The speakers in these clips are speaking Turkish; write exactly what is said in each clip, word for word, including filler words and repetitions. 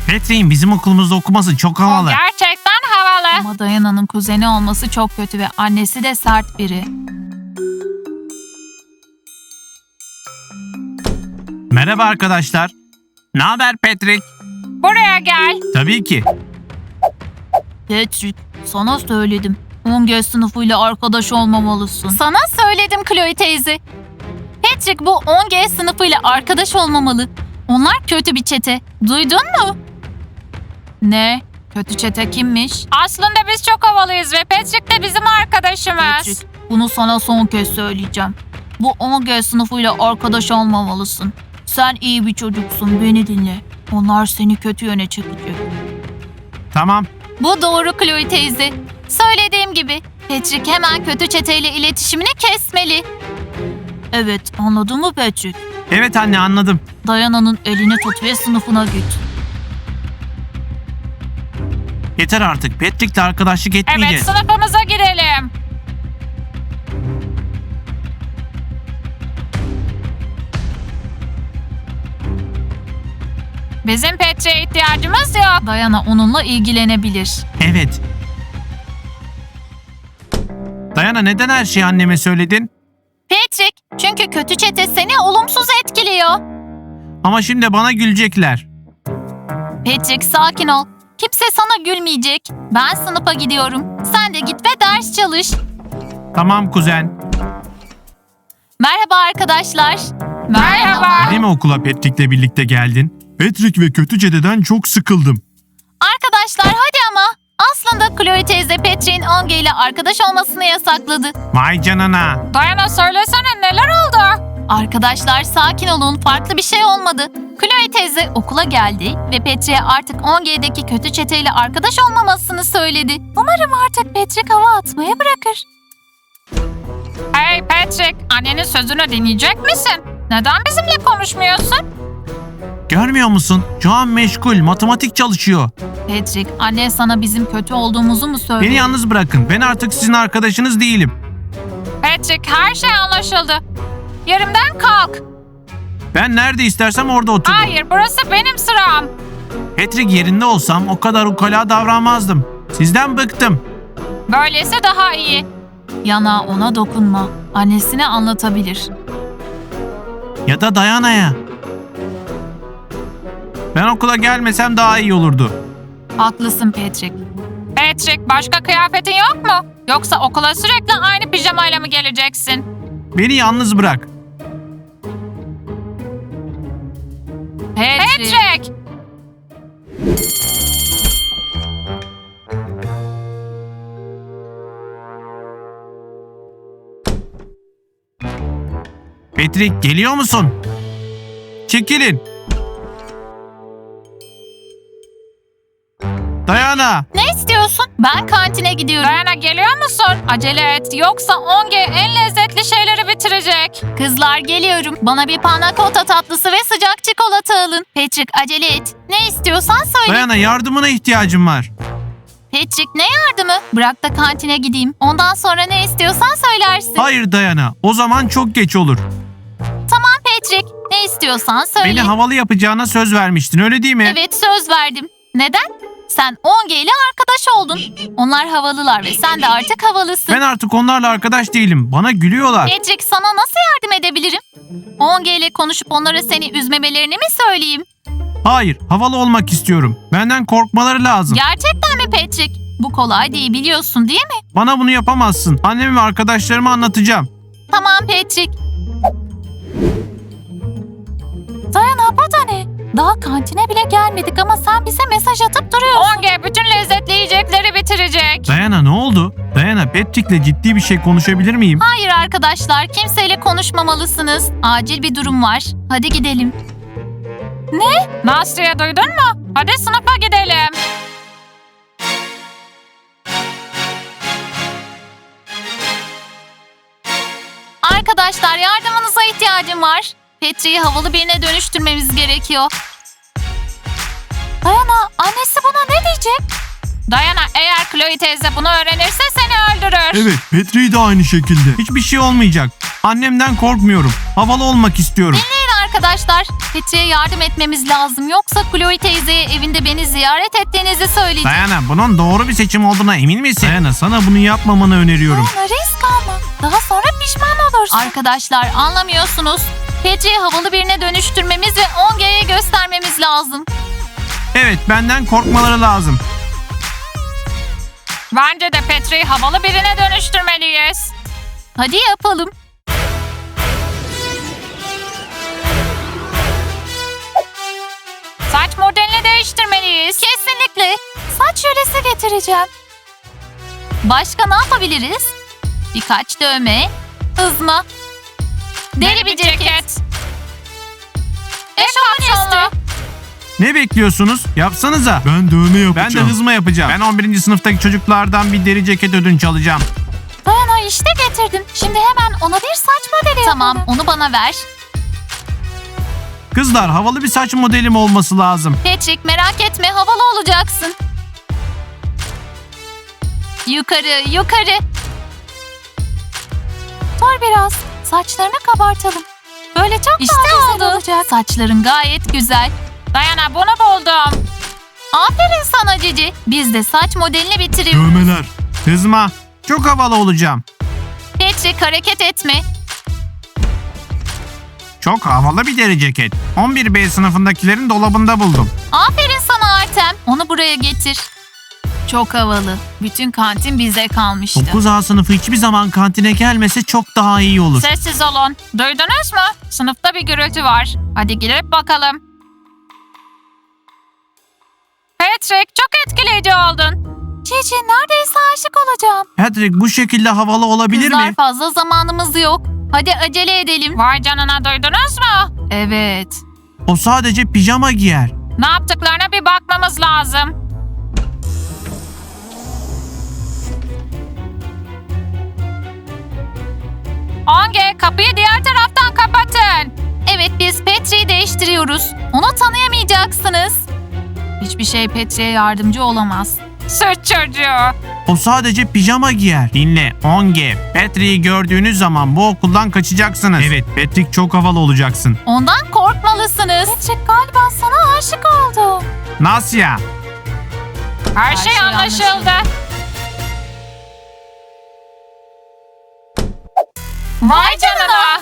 Patrick'in bizim okulumuzda okuması çok havalı. Gerçekten havalı. Ama Dayana'nın kuzeni olması çok kötü ve annesi de sert biri. Merhaba arkadaşlar. Ne haber Patrick? Buraya gel. Tabii ki. Patrick, sana söyledim. on G sınıfıyla arkadaş olmamalısın. Sana söyledim Chloe teyze. Patrick bu on G sınıfıyla arkadaş olmamalı. Onlar kötü bir çete. Duydun mu? Ne? Kötü çete kimmiş? Aslında biz çok havalıyız ve Patrick de bizim arkadaşımız. Patrick, bunu sana son kez söyleyeceğim. Bu on G sınıfıyla arkadaş olmamalısın. Sen iyi bir çocuksun, beni dinle. Onlar seni kötü yöne çekecek. Tamam. Bu doğru Chloe teyze. Söylediğim gibi Patrick hemen kötü çeteyle iletişimini kesmeli. Evet, anladın mı Patrick? Evet anne, anladım. Dayana'nın elini tut ve sınıfına git. Yeter artık. Patrick'le arkadaşlık Evet, etmeyeceğiz. sınıfımıza girelim. Bizim Patrick'e ihtiyacımız yok. Dayana onunla ilgilenebilir. Evet. Dayana, neden her şeyi anneme söyledin? Patrick, çünkü kötü çete seni olumsuz etkiliyor. Ama şimdi bana gülecekler. Patrick, sakin ol. Kimse sana gülmeyecek. Ben sınıfa gidiyorum. Sen de git ve ders çalış. Tamam kuzen. Merhaba arkadaşlar. Merhaba. Değil mi okula Patrick'le birlikte geldin? Patrick ve kötü cededen çok sıkıldım. Arkadaşlar hadi ama. Aslında Chloe teyze Patrick'in on G ile arkadaş olmasını yasakladı. Vay canına. Dayana söylesene, neler oldu? Arkadaşlar sakin olun, farklı bir şey olmadı. Chloe teyze okula geldi ve Patrick'e artık on G'deki kötü çeteyle arkadaş olmamasını söyledi. Umarım artık Patrick hava atmayı bırakır. Hey Patrick, annenin sözünü dinleyecek misin? Neden bizimle konuşmuyorsun? Görmüyor musun? Şu an meşgul. Matematik çalışıyor. Patrick, annen sana bizim kötü olduğumuzu mu söyledi? Beni yalnız bırakın. Ben artık sizin arkadaşınız değilim. Patrick, her şey anlaşıldı. Yerimden kalk. Ben nerede istersem orada otururum. Hayır, burası benim sıram. Patrick yerinde olsam o kadar ukala davranmazdım. Sizden bıktım. Böylesi daha iyi. Yana, ona dokunma. Annesine anlatabilir. Ya da Dayana'ya. Ben okula gelmesem daha iyi olurdu. Haklısın Patrick. Patrick, başka kıyafetin yok mu? Yoksa okula sürekli aynı pijamayla mı geleceksin? Beni yalnız bırak. Patrick. Patrick! Patrick, geliyor musun? Çekilin. Dayana. Ne istiyorsun? Ben kantine gidiyorum. Dayana, geliyor musun? Acele et, yoksa on G en lezzetli şeyleri bitirecek. Kızlar geliyorum. Bana bir panna cotta tatlısı ve sıcak çikolata alın. Patrick acele et. Ne istiyorsan söyle. Dayana, yardımına ihtiyacım var. Patrick ne yardımı? Bırak da kantine gideyim. Ondan sonra ne istiyorsan söylersin. Hayır Dayana, o zaman çok geç olur. Tamam Patrick. Ne istiyorsan söyle. Beni havalı yapacağına söz vermiştin, öyle değil mi? Evet, söz verdim. Neden? Sen on G ile arkadaş oldun. Onlar havalılar ve sen de artık havalısın. Ben artık onlarla arkadaş değilim. Bana gülüyorlar. Patrick, sana nasıl yardım edebilirim? on G ile konuşup onlara seni üzmemelerini mi söyleyeyim? Hayır, havalı olmak istiyorum. Benden korkmaları lazım. Gerçekten mi Patrick? Bu kolay değil, biliyorsun değil mi? Bana bunu yapamazsın. Anneme ve arkadaşlarıma anlatacağım. Tamam Patrick. Dayana, bu da ne? Daha kantine bile gelmedik ama sen bize mesaj atıp duruyorsun. on G bütün lezzetli yiyecekleri bitirecek. Dayana, ne oldu? Dayana, Patrick'le ciddi bir şey konuşabilir miyim? Hayır arkadaşlar, kimseyle konuşmamalısınız. Acil bir durum var. Hadi gidelim. Nastya, duydun mu? Hadi sınıfa gidelim. Arkadaşlar, yardımınıza ihtiyacım var. Patrick'i havalı birine dönüştürmemiz gerekiyor. Dayana, annesi buna ne diyecek? Dayana, eğer Chloe teyze bunu öğrenirse seni öldürür. Evet, Patrick de aynı şekilde. Hiçbir şey olmayacak. Annemden korkmuyorum. Havalı olmak istiyorum. Dinleyin Arkadaşlar, Petri'ye yardım etmemiz lazım. Yoksa Chloe teyzeye evinde beni ziyaret ettiğinizi söyleyecek. Dayana, bunun doğru bir seçim olduğuna emin misin? Dayana, sana bunu yapmamanı öneriyorum. Dayana, risk alma. Daha sonra pişman olursun. Arkadaşlar, anlamıyorsunuz. Petri'yi havalı birine dönüştürmemiz ve on G'ye göstermemiz lazım. Evet, benden korkmaları lazım. Bence de Petri'yi havalı birine dönüştürmeliyiz. Hadi yapalım. Saç modelini değiştirmeliyiz. Kesinlikle. Saç jölesi getireceğim. Başka ne yapabiliriz? Birkaç dövme, hızma, deri bir ceket, eşofman üstü. Ne bekliyorsunuz? Yapsanıza. Ben dövme Ben yapacağım. de hızma yapacağım. Ben on birinci sınıftaki çocuklardan bir deri ceket ödünç alacağım. Dayana, işte getirdim. Şimdi hemen ona bir saç modeli Tamam, onu bana ver. Kızlar, havalı bir saç modelim olması lazım. Patrick, merak etme, havalı olacaksın. Yukarı, yukarı. Dur biraz. Saçlarını kabartalım. Böyle çok İşte daha güzel oldu. olacak. Saçların gayet güzel. Dayana, bunu buldum. Aferin sana Cici. Biz de saç modelini bitiriyoruz. Dövmeler. Hızma. Çok havalı olacağım. Patrick, hareket etme. Çok havalı bir deri ceket. on bir B sınıfındakilerin dolabında buldum. Aferin sana Artem. Onu buraya getir. Çok havalı. Bütün kantin bize kalmıştı. dokuz A sınıfı hiçbir zaman kantine gelmese çok daha iyi olur. Sessiz olun. Duydunuz mu? Sınıfta bir gürültü var. Hadi girip bakalım. Patrick, çok etkileyici oldun. Cici, neredeyse aşık olacağım. Patrick, bu şekilde havalı olabilir Kızlar, mi? fazla zamanımız yok. Hadi acele edelim. Vay canına, duydunuz mu? Evet. O sadece pijama giyer. Ne yaptıklarına bir bakmamız lazım. on G, kapıyı diğer taraftan kapatın. Evet, biz Petri'yi değiştiriyoruz. Onu tanıyamayacaksınız. Hiçbir şey Petri'ye yardımcı olamaz. Süt çocuğu. O sadece pijama giyer. Dinle, on G. Patrick'i gördüğünüz zaman bu okuldan kaçacaksınız. Evet, Patrick çok havalı olacaksın. Ondan korkmalısınız. Patrick galiba sana aşık oldu. Nasya. Her, şey, şey anlaşıldı. anlaşıldı. Vay canına.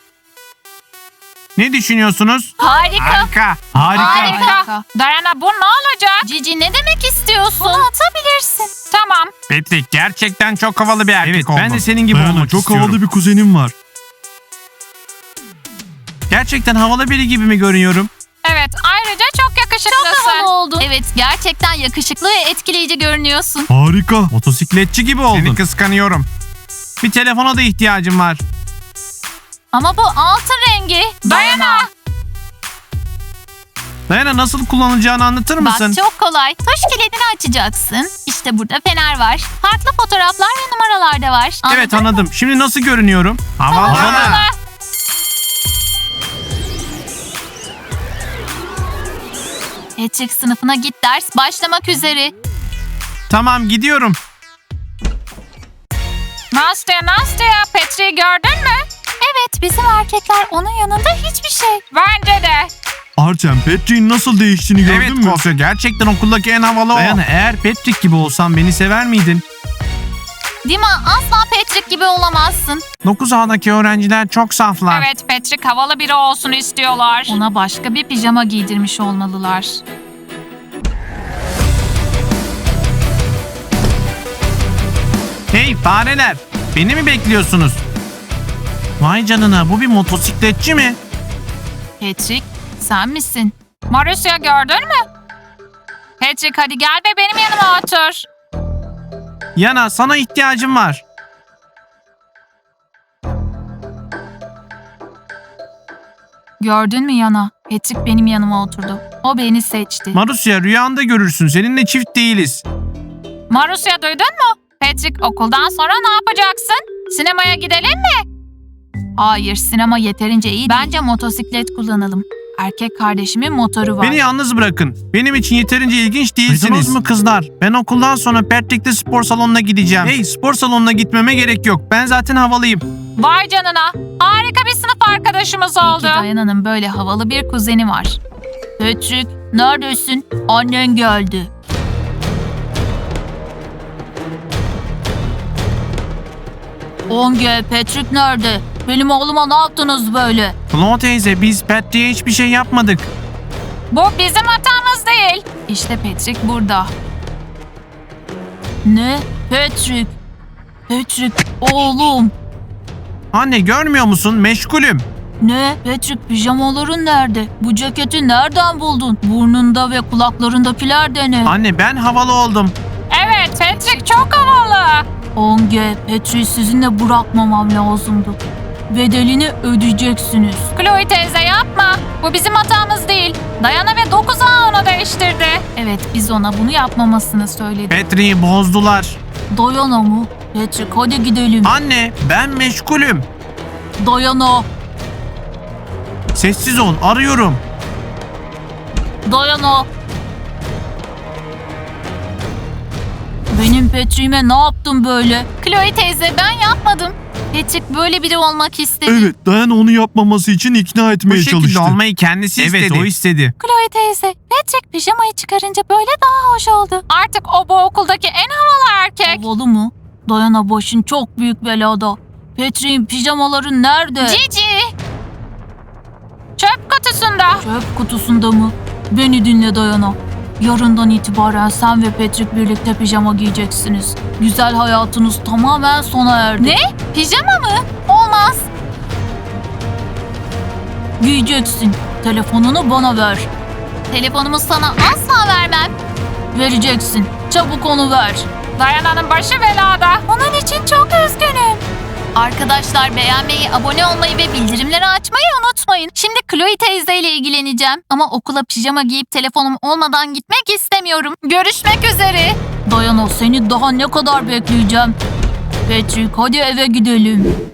Ne düşünüyorsunuz? Harika. Harika. Harika. Harika. Dayana, bu ne olacak? Cici, ne demek istiyorsun? Bunu atabilirsin. Tamam. Patrick gerçekten çok havalı bir erkek Evet, oldu. Ben de senin gibi Dayana, olmak çok istiyorum. havalı bir kuzenim var. Gerçekten havalı biri gibi mi görünüyorum? Evet, ayrıca çok yakışıklısın. Havalı oldun. Evet, gerçekten yakışıklı ve etkileyici görünüyorsun. Harika. Motosikletçi gibi oldun. Seni kıskanıyorum. Bir telefona da ihtiyacım var. Ama bu altın rengi. Dayana. Dayana, nasıl kullanılacağını anlatır mısın? Bak, çok kolay. Tuş kilidini açacaksın. İşte burada fener var. Farklı fotoğraflar ve numaralar da var. Evet, Anladın mı? anladım. Şimdi nasıl görünüyorum? Havalı. Havalı. Patrick, sınıfına git, ders başlamak üzere. Tamam, gidiyorum. Nastya, Nastya, Petri'yi gördün mü? Evet, bizim erkekler onun yanında hiçbir şey. Bence de. Artem, Patrick'in nasıl değiştiğini gördün Evet mü? Kosya, gerçekten okuldaki en havalı o. Dayana, eğer Patrick gibi olsam beni sever miydin? Dima, asla Patrick gibi olamazsın. dokuz A'daki öğrenciler çok saflar. Evet, Patrick havalı biri olsun istiyorlar. Ona başka bir pijama giydirmiş olmalılar. Hey fareler, beni mi bekliyorsunuz? Vay canına, bu bir motosikletçi mi? Patrick, sen misin? Marusya, gördün mü? Patrick, hadi gel ve benim yanıma otur. Yana, sana ihtiyacım var. Gördün mü Yana? Patrick benim yanıma oturdu. O beni seçti. Marusya, rüyanda görürsün. Seninle çift değiliz. Marusya, duydun mu? Patrick, okuldan sonra ne yapacaksın? Sinemaya gidelim mi? Hayır, sinema yeterince iyi değil. Bence motosiklet kullanalım. Erkek kardeşimin motoru var. Beni yalnız bırakın. Benim için yeterince ilginç değilsiniz. Duydunuz mu kızlar? Ben okuldan sonra Patrick'te spor salonuna gideceğim. Hey, spor salonuna gitmeme gerek yok. Ben zaten havalıyım. Vay canına. Harika bir sınıf arkadaşımız oldu. Peki Dayana'nın böyle havalı bir kuzeni var. Patrick, neredesin? Annen geldi. Onge, Patrick nerede? Benim oğluma ne yaptınız böyle? Flo teyze, biz Patrick'e hiçbir şey yapmadık. Bu bizim hatamız değil. İşte Patrick burada. Ne? Patrick. Patrick, oğlum. Anne, görmüyor musun? Meşgulüm. Ne? Patrick, pijamaların nerede? Bu ceketi nereden buldun? Burnunda ve kulaklarındakiler de ne? Anne, ben havalı oldum. Evet, Patrick çok havalı. Onge, Patrick'i sizinle bırakmamam lazımdı. Bedelini ödeyeceksiniz. Chloe teyze yapma. Bu bizim hatamız değil. Dayana ve dokuz A onu değiştirdi. Evet, biz ona bunu yapmamasını söyledik. Patrick'i bozdular. Dayana mı? Patrick, hadi gidelim. Anne, ben meşgulüm. Dayana, Sessiz ol, arıyorum. Dayana. Benim Patrick'ime ne yaptın böyle? Chloe teyze, ben yapmadım. Patrick böyle biri olmak istedi. Evet, Dayana onu yapmaması için ikna Bu etmeye şekilde çalıştı. olmayı kendisi istedi. Evet, o istedi. Chloe teyze, Patrick pijamayı çıkarınca böyle daha hoş oldu. Artık o bu okuldaki en havalı erkek. Havalı mı? Dayana, başın çok büyük belada. Patrick'in pijamaları nerede? Cici. Çöp kutusunda. Çöp kutusunda mı? Beni dinle Dayana. Yarından itibaren sen ve Patrick birlikte pijama giyeceksiniz. Güzel hayatınız tamamen sona erdi. Ne? Pijama mı? Olmaz. Giyeceksin. Telefonunu bana ver. Telefonumu sana asla vermem. Vereceksin. Çabuk onu ver. Dayana'nın başı belada. Onun için çok üzgünüm. Arkadaşlar, beğenmeyi, abone olmayı ve bildirimleri açmayı unutmayın. Şimdi Chloe teyzeyle ilgileneceğim. Ama okula pijama giyip telefonum olmadan gitmek istemiyorum. Görüşmek üzere. Dayana, seni daha ne kadar bekleyeceğim? Patrick, hadi eve gidelim.